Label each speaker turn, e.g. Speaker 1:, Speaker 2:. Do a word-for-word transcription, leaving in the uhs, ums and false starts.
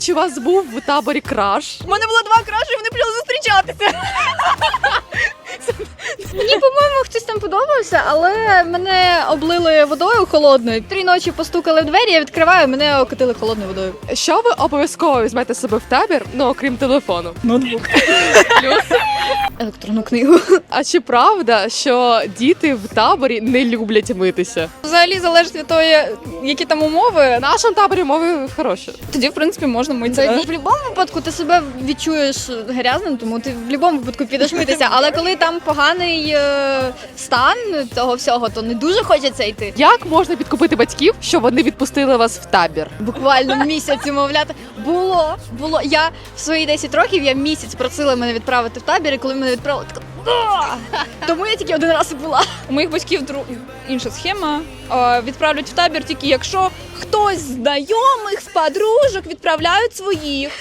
Speaker 1: Чи у вас був в таборі краш?
Speaker 2: У мене було два краші, і вони почали зустрічатися.
Speaker 3: Мені, по-моєму, хтось там подобався, але мене облили водою холодною. Три ночі постукали в двері, я відкриваю, мене окатили холодною водою.
Speaker 1: Що ви обов'язково візьмете з себе в табір, ну окрім телефону?
Speaker 3: Ноутбук.
Speaker 1: Плюс.
Speaker 3: Електронну книгу.
Speaker 1: А чи правда, що діти в таборі не люблять митися?
Speaker 2: Взагалі залежить від того, які там умови.
Speaker 1: В нашому таборі мови хороші.
Speaker 2: Тоді, в принципі, можна митися.
Speaker 3: В будь-якому випадку ти себе відчуєш грязним, тому ти в будь-якому випадку підеш митися. Але коли там поганий е, стан того всього, то не дуже хочеться йти.
Speaker 1: Як можна підкупити батьків, щоб вони відпустили вас в табір?
Speaker 3: Буквально місяць умовляти. Було, було. Я в свої десять років, я місяць просила мене відправити в табір, і коли мене відправили, така «А!» Тому я тільки один раз і була.
Speaker 2: У моїх батьків дру... інша схема. Е, Відправлять в табір тільки якщо хтось з знайомих, з подружок відправляють своїх.